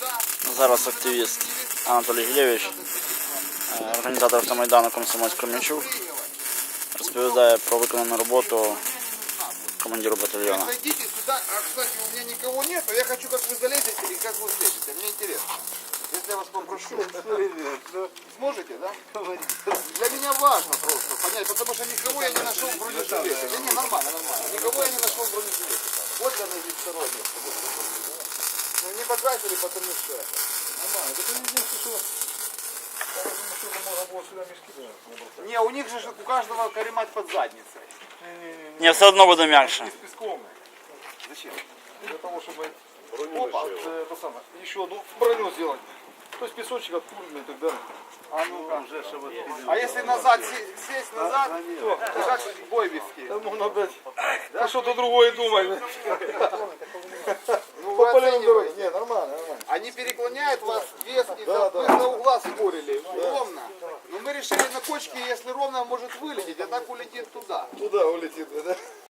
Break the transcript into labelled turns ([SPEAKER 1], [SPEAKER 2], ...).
[SPEAKER 1] Зараз активіст Анатолій Гілєвич, організатор автомайдану Комсомольського М'ячук, розповідає про виконану роботу командиру батальйону.
[SPEAKER 2] Зайдите сюда, кстати, у меня никого нет, я хочу, как вы залезете и как вы слезете, мне интересно. Если я вас попрошу, сможете, да? Для меня важно просто понять, потому что никого я не нашел в бронежилете. Не, нормально, нормально. Никого я не нашел в бронежилете. Вот я на здесь сторонний. Ну не потратили, потому что нормально. Это единственное, что можно было сюда мешки. Не, у них же у каждого каремат под задницей.
[SPEAKER 1] Не, все одно буде м'якше.
[SPEAKER 2] Зачем?
[SPEAKER 3] Для того, чтобы
[SPEAKER 2] Опа,
[SPEAKER 3] это самое, еще одну броню сделать. То есть песочек откуда и так далее.
[SPEAKER 2] а ну-ка. А если назад сесть назад, то как бой вести?
[SPEAKER 3] Да можно опять что-то другое думать.
[SPEAKER 2] Ну, вы оцениваете.
[SPEAKER 3] Не, нормально, нормально.
[SPEAKER 2] Они переклоняют вас вес, и
[SPEAKER 3] Да,
[SPEAKER 2] вы
[SPEAKER 3] да.
[SPEAKER 2] за угла спорили, ровно. Но мы решили на кочке, если ровно, может вылететь, а так улетит туда.
[SPEAKER 3] Туда улетит, да?